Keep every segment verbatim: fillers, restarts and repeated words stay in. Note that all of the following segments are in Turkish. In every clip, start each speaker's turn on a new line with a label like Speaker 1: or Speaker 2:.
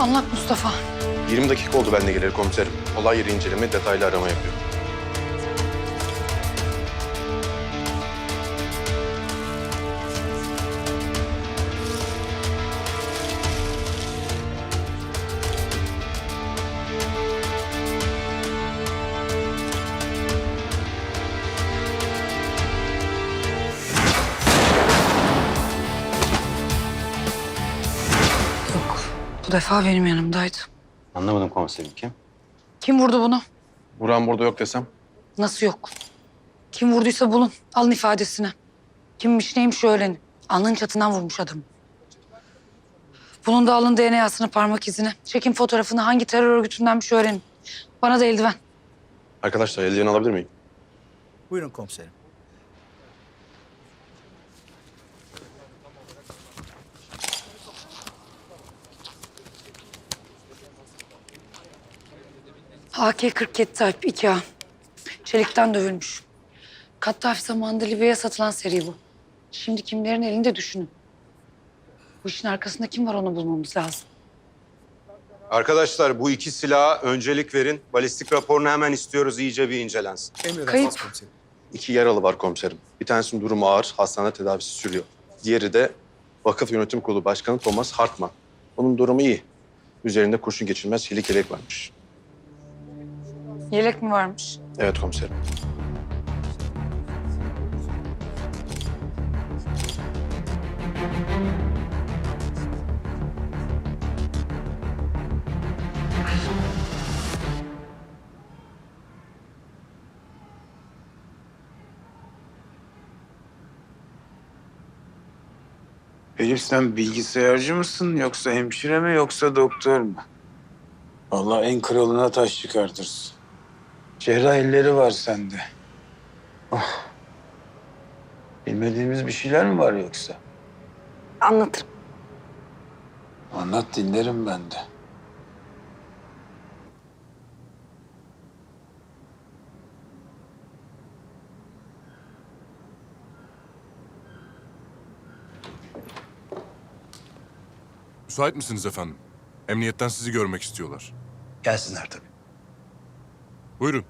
Speaker 1: Anlat Mustafa.
Speaker 2: yirmi dakika oldu ben de geleli komiserim. Olay yeri inceleme, detaylı arama yapıyor.
Speaker 1: Yok, bu defa benim yanımdaydı.
Speaker 3: Anlamadım komiserim, kim?
Speaker 1: Kim vurdu bunu?
Speaker 2: Buran burada yok desem.
Speaker 1: Nasıl yok? Kim vurduysa bulun. Alın ifadesini. Kimmiş neymiş öğrenin. Alnının çatından vurmuş adamı. Bunun da alın D N A'sını, parmak izini. Çekin fotoğrafını, hangi terör örgütündenmiş öğrenin. Bana da eldiven.
Speaker 2: Arkadaşlar eldiven alabilir miyim?
Speaker 4: Buyurun komiserim.
Speaker 1: A K kırk yedi Type iki A. Çelikten dövülmüş. Kaddafi zamanında Libya'ya satılan seri bu. Şimdi kimlerin elinde düşünün. Bu işin arkasında kim var onu bulmamız lazım.
Speaker 5: Arkadaşlar bu iki silaha öncelik verin. Balistik raporunu hemen istiyoruz, iyice bir incelensin.
Speaker 4: Emredersiniz
Speaker 1: Kayıp.
Speaker 4: komiserim.
Speaker 2: İki yaralı var komiserim. Bir tanesinin durumu ağır, hastanede tedavisi sürüyor. Diğeri de Vakıf Yönetim Kurulu Başkanı Thomas Hartman. Onun durumu iyi. Üzerinde kurşun geçirmez çelik yelek varmış.
Speaker 1: Yelek mi varmış?
Speaker 2: Evet komiserim.
Speaker 6: Elif sen bilgisayarcı mısın yoksa hemşire mi yoksa doktor mu? Vallahi en kralına taş çıkartırsın. Cerrah elleri var sende. Oh. Bilmediğimiz bir şeyler mi var yoksa?
Speaker 1: Anlatırım.
Speaker 6: Anlat dinlerim ben de.
Speaker 7: Müsait misiniz efendim? Emniyetten sizi görmek istiyorlar.
Speaker 4: Gelsinler tabii.
Speaker 7: Buyurun.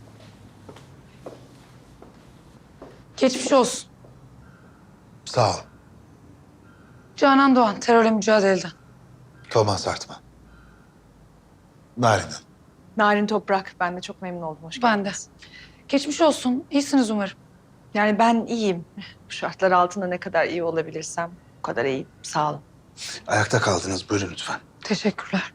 Speaker 1: Geçmiş olsun.
Speaker 8: Sağ ol.
Speaker 1: Canan Doğan, terörle mücadeleden.
Speaker 8: Thomas Hartman. Narin Hanım.
Speaker 9: Narin Toprak. Ben de çok memnun oldum. Hoş
Speaker 1: Ben de.
Speaker 9: geldiniz.
Speaker 1: Geçmiş olsun. İyisiniz umarım.
Speaker 9: Yani ben iyiyim. Bu şartlar altında ne kadar iyi olabilirsem o kadar iyiyim. Sağ olun.
Speaker 8: Ayakta kaldınız. Buyurun lütfen.
Speaker 1: Teşekkürler.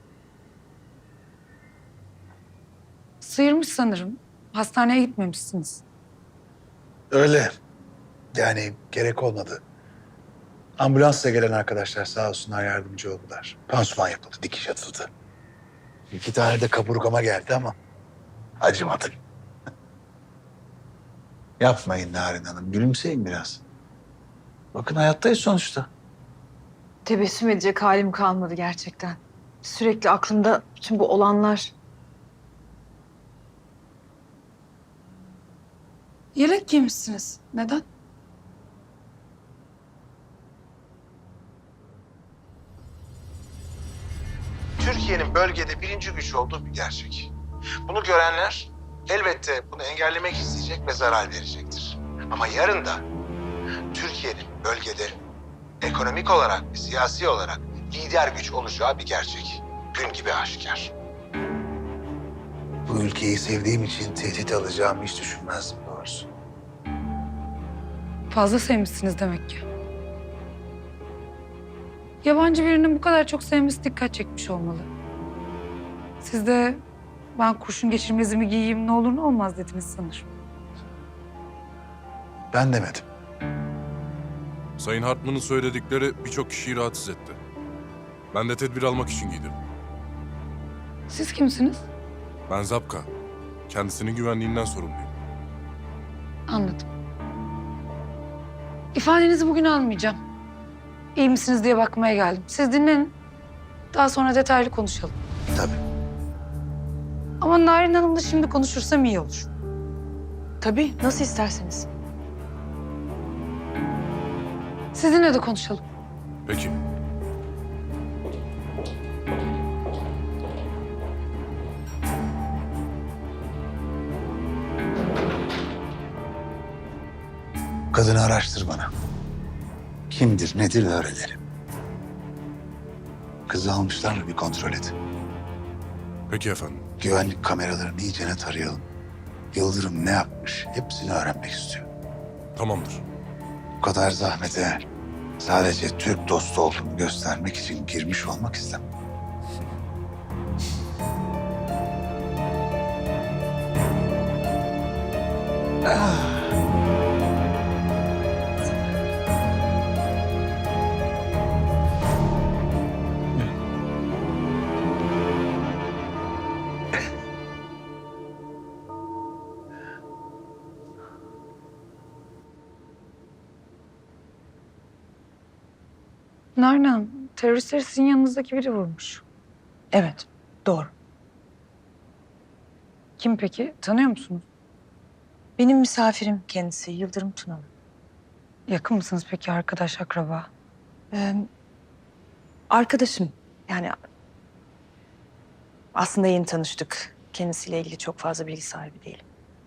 Speaker 1: Sıyırmış sanırım. Hastaneye gitmemişsiniz.
Speaker 8: Öyle. Yani gerek olmadı. Ambulansla gelen arkadaşlar sağ olsunlar yardımcı oldular. Pansuman yapıldı, dikiş atıldı. İki tane de kaburgama geldi ama acımadı. Yapmayın Narin Hanım. Gülümseyin biraz. Bakın hayattayız sonuçta.
Speaker 9: Tebessüm edecek halim kalmadı gerçekten. Sürekli aklımda bütün bu olanlar.
Speaker 1: Yelek giymişsiniz. Neden?
Speaker 10: Türkiye'nin bölgede birinci güç olduğu bir gerçek. Bunu görenler elbette bunu engellemek isteyecek ve zarar verecektir. Ama yarın da Türkiye'nin bölgede ekonomik olarak ve siyasi olarak lider güç olacağı bir gerçek. Gün gibi aşikar.
Speaker 8: Bu ülkeyi sevdiğim için tehdit alacağımı hiç düşünmezdim doğrusu.
Speaker 1: Fazla sevmişsiniz demek ki. Yabancı birinin bu kadar çok sevmesi dikkat çekmiş olmalı. Siz de ben kurşun geçirmezimi giyeyim ne olur ne olmaz dediniz sanırım.
Speaker 8: Ben demedim.
Speaker 7: Sayın Hartman'ın söyledikleri birçok kişiyi rahatsız etti. Ben de tedbir almak için giydim.
Speaker 1: Siz kimsiniz?
Speaker 7: Ben Zapka. Kendisinin güvenliğinden sorumluyum.
Speaker 1: Anladım. İfadenizi bugün almayacağım. İyi misiniz diye bakmaya geldim. Siz dinlenin. Daha sonra detaylı konuşalım.
Speaker 8: Tabii.
Speaker 1: Ama Narin Hanım'la şimdi konuşursam iyi olur.
Speaker 9: Tabii nasıl isterseniz.
Speaker 1: Sizinle de konuşalım.
Speaker 7: Peki.
Speaker 8: Kadını araştır bana. Kimdir, nedir öğrenelim. Kızı almışlar mı bir kontrol et.
Speaker 7: Peki efendim.
Speaker 8: Güvenlik kameralarını iyicene tarayalım. Yıldırım ne yapmış hepsini öğrenmek istiyorum.
Speaker 7: Tamamdır.
Speaker 8: Bu kadar zahmete sadece Türk dostu olduğumu göstermek için girmiş olmak istemem.
Speaker 1: Nereden? Teröristleri sizin yanınızdaki biri vurmuş.
Speaker 9: Evet, doğru.
Speaker 1: Kim peki? Tanıyor musunuz?
Speaker 9: Benim misafirim kendisi Yıldırım Tunalı.
Speaker 1: Yakın mısınız peki, arkadaş, akraba?
Speaker 9: Ee, arkadaşım yani aslında yeni tanıştık. Kendisiyle ilgili çok fazla bilgi sahibi değilim.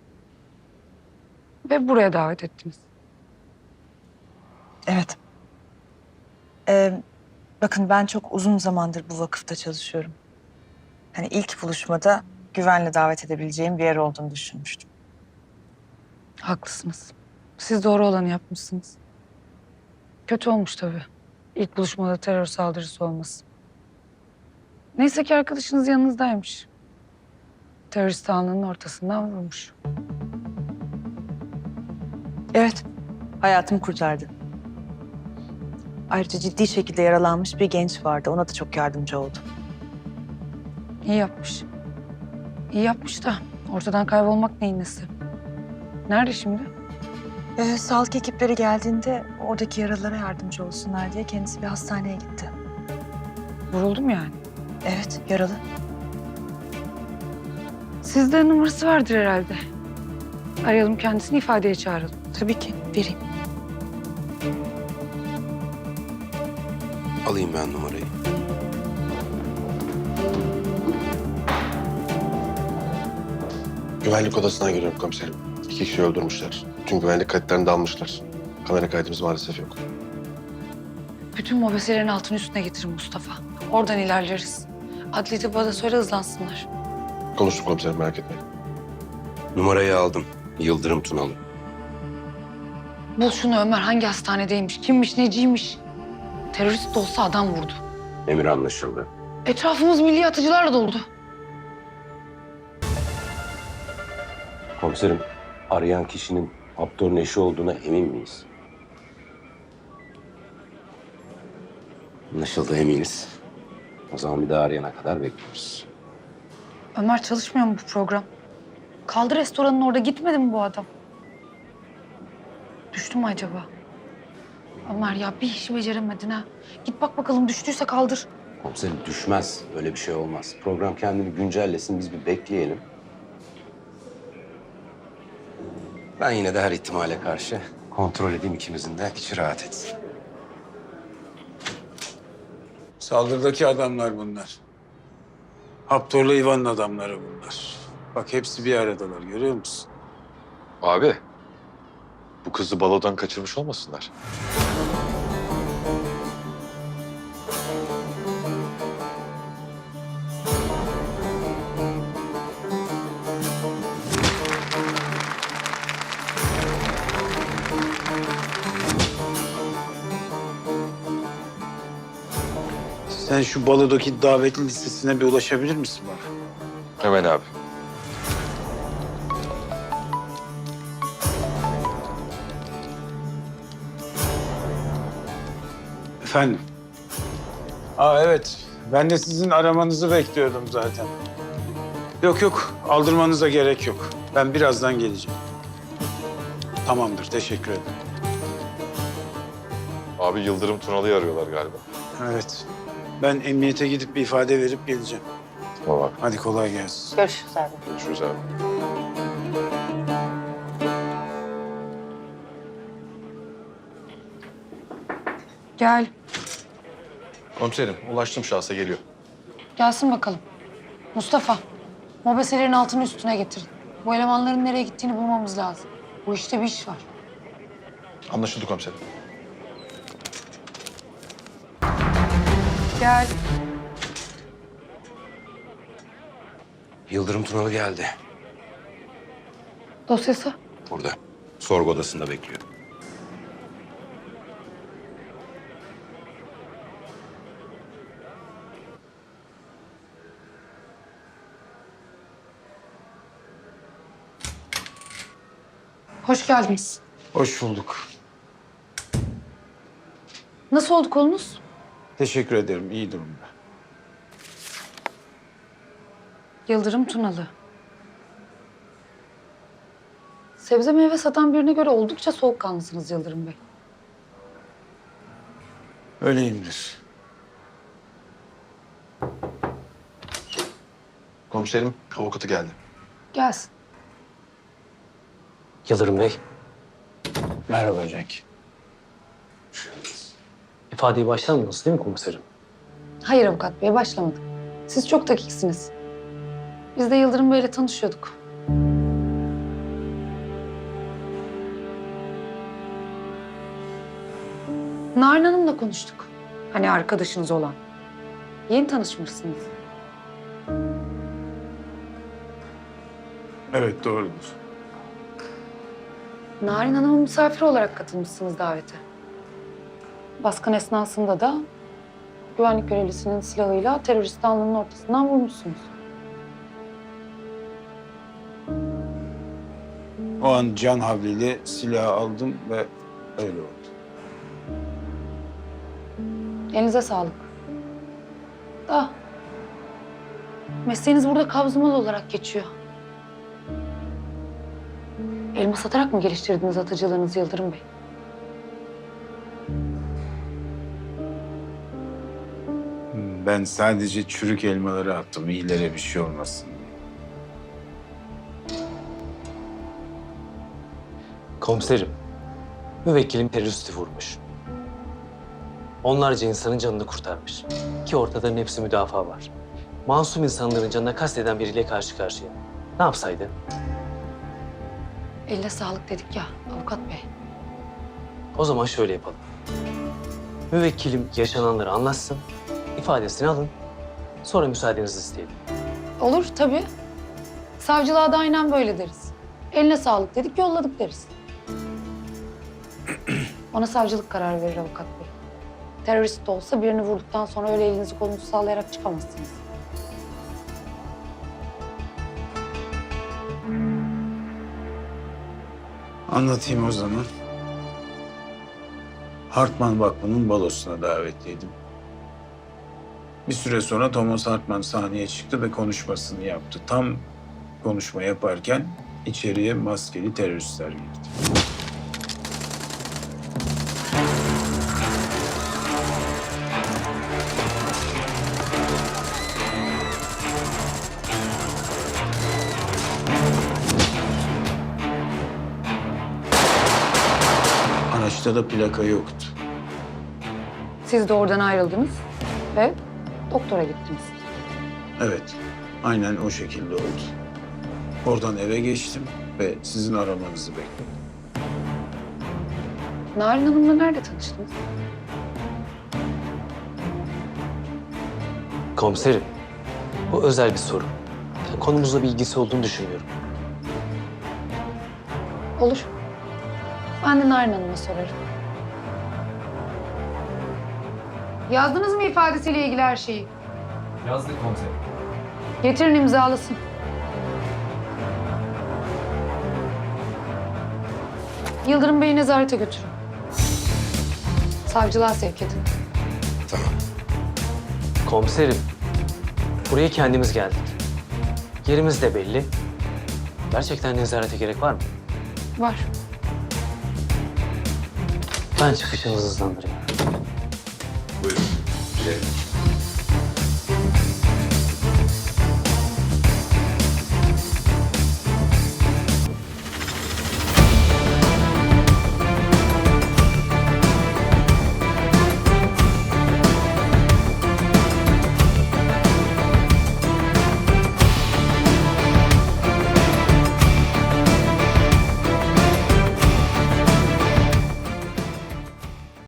Speaker 1: Ve buraya davet ettiniz.
Speaker 9: Evet. Ee, bakın ben çok uzun zamandır bu vakıfta çalışıyorum. Hani ilk buluşmada güvenle davet edebileceğim bir yer olduğunu düşünmüştüm.
Speaker 1: Haklısınız. Siz doğru olanı yapmışsınız. Kötü olmuş tabii. İlk buluşmada terör saldırısı olması. Neyse ki arkadaşınız yanınızdaymış. Terörist alnının ortasından vurmuş.
Speaker 9: Evet, hayatımı kurtardı. Ayrıca ciddi şekilde yaralanmış bir genç vardı. Ona da çok yardımcı oldu.
Speaker 1: İyi yapmış. İyi yapmış da ortadan kaybolmak neyin nesi? Nerede şimdi?
Speaker 9: Ee, sağlık ekipleri geldiğinde oradaki yaralılara yardımcı olsunlar diye kendisi bir hastaneye gitti.
Speaker 1: Vuruldu mu yani?
Speaker 9: Evet, yaralı.
Speaker 1: Sizde numarası vardır herhalde. Arayalım kendisini, ifadeye çağıralım.
Speaker 9: Tabii ki, vereyim.
Speaker 5: Alayım ben numarayı.
Speaker 2: Güvenlik odasına giriyorum komiserim. İki kişi öldürmüşler. Tüm güvenlik kayıtlarını da almışlar. Kamera kaydımız maalesef yok.
Speaker 1: Bütün mobeselerin altını üstüne getirin Mustafa. Oradan ilerleriz. Adli tıbba da söyle, hızlansınlar.
Speaker 2: Konuştum komiserim, merak etmeyin.
Speaker 5: Numarayı aldım. Yıldırım Tunalı.
Speaker 1: Bul şunu Ömer, hangi hastanedeymiş, kimmiş, neciymiş. Terörist de olsa adam vurdu.
Speaker 5: Emir anlaşıldı.
Speaker 1: Etrafımız milli atıcılarla doldu.
Speaker 5: Komiserim, arayan kişinin Abdur'un eşi olduğuna emin miyiz? Anlaşıldı, eminiz. O zaman bir daha arayana kadar bekliyoruz.
Speaker 1: Ömer, çalışmıyor mu bu program? Kaldı restoranın orada, gitmedi mi bu adam? Düştü mü acaba? Ömer ya, bir işi beceremedin ha. Git bak bakalım, düştüyse kaldır.
Speaker 5: Komiserim düşmez. Öyle bir şey olmaz. Program kendini güncellesin. Biz bir bekleyelim. Ben yine de her ihtimale karşı kontrol edeyim, ikimizin de içi rahat etsin.
Speaker 6: Saldırıdaki adamlar bunlar. Haptor'la Ivan'ın adamları bunlar. Bak hepsi bir aradalar, görüyor musun?
Speaker 11: Abi, bu kızı balodan kaçırmış olmasınlar?
Speaker 6: Sen şu balodaki davetli listesine bir ulaşabilir misin bana?
Speaker 11: Hemen abi.
Speaker 6: Efendim? Aa evet, ben de sizin aramanızı bekliyordum zaten. Yok yok, aldırmanıza gerek yok. Ben birazdan geleceğim. Tamamdır, teşekkür ederim.
Speaker 11: Abi Yıldırım Tunalı'yı arıyorlar galiba.
Speaker 6: Evet, ben emniyete gidip bir ifade verip geleceğim.
Speaker 11: Tamam abi.
Speaker 6: Hadi kolay gelsin.
Speaker 9: Görüşürüz abi.
Speaker 11: Görüşürüz abi.
Speaker 1: Gel.
Speaker 2: Komiserim, ulaştım, şahsa geliyor.
Speaker 1: Gelsin bakalım. Mustafa, mobeselerin altını üstüne getirin. Bu elemanların nereye gittiğini bulmamız lazım. Bu işte bir iş var.
Speaker 2: Anlaşıldı komiserim.
Speaker 1: Gel.
Speaker 5: Yıldırım Tunalı geldi.
Speaker 1: Dosyası.
Speaker 5: Burada. Sorgu odasında bekliyor.
Speaker 1: Hoş geldiniz.
Speaker 6: Hoş bulduk.
Speaker 1: Nasıl oldu kolunuz?
Speaker 6: Teşekkür ederim. İyi durumda.
Speaker 1: Yıldırım Tunalı. Sebze meyve satan birine göre oldukça soğukkanlısınız Yıldırım Bey.
Speaker 6: Öyleyimdir.
Speaker 2: Komiserim, avukatı geldi.
Speaker 1: Gelsin.
Speaker 3: Yıldırım Bey,
Speaker 6: Merhaba Cenk.
Speaker 3: ifadeye başlamadınız değil mi komiserim?
Speaker 1: Hayır avukat bey, başlamadık. Siz çok dakiksiniz. Biz de Yıldırım Bey'le tanışıyorduk. Narin Hanım'la konuştuk. Hani arkadaşınız olan. Yeni tanışmışsınız.
Speaker 6: Evet, doğrudur.
Speaker 1: Narin Hanım'ın misafiri olarak katılmışsınız davete. Baskın esnasında da güvenlik görevlisinin silahıyla teröristi alnının ortasından vurmuşsunuz.
Speaker 6: O an can havliyle silahı aldım ve öyle oldu.
Speaker 1: Elinize sağlık. Da mesleğiniz burada kabzımalı olarak geçiyor. Elma satarak mı geliştirdiniz atıcılığınızı Yıldırım Bey?
Speaker 6: Ben sadece çürük elmaları attım. İyilere bir şey olmasın diye.
Speaker 3: Komiserim, müvekkilim teröristi vurmuş. Onlarca insanın canını kurtarmış. Ki ortada hepsi müdafaa var. Masum insanların canına kasteden biriyle karşı karşıya. Ne yapsaydı?
Speaker 1: Eline sağlık dedik ya avukat bey.
Speaker 3: O zaman şöyle yapalım. Müvekkilim yaşananları anlatsın, ifadesini alın. Sonra müsaadenizi isteyelim.
Speaker 1: Olur tabii. Savcılığa da aynen böyle deriz. Eline sağlık dedik, yolladık deriz. Ona savcılık kararı verir avukat bey. Terörist de olsa birini vurduktan sonra öyle elinizi kolunuzu sallayarak çıkamazsınız.
Speaker 6: Anlatayım o zaman. Hartman Vakfı'nın balosuna davetliydim. Bir süre sonra Thomas Hartman sahneye çıktı ve konuşmasını yaptı. Tam konuşma yaparken içeriye maskeli teröristler girdi. Araçta da plaka yoktu.
Speaker 1: Siz de oradan ayrıldınız ve doktora gittiniz.
Speaker 6: Evet, aynen o şekilde oldu. Oradan eve geçtim ve sizin aramanızı bekledim.
Speaker 1: Narin Hanım'la nerede tanıştınız?
Speaker 3: Komiserim, bu özel bir soru. Yani konumuzla bir ilgisi olduğunu düşünmüyorum.
Speaker 1: Olur. Ben de Narin Hanım'a sorarım. Yazdınız mı ifadesiyle ilgili her şeyi?
Speaker 3: Yazdık komiserim.
Speaker 1: Getirin imzalasın. Yıldırım Bey'i nezarete götürün. Savcılığa sevk edin.
Speaker 5: Tamam.
Speaker 3: Komiserim, buraya kendimiz geldik. Yerimiz de belli. Gerçekten nezarete gerek var mı?
Speaker 1: Var.
Speaker 3: Ben çıkışınızı hızlandırayım.
Speaker 5: Buyurun. Gidelim.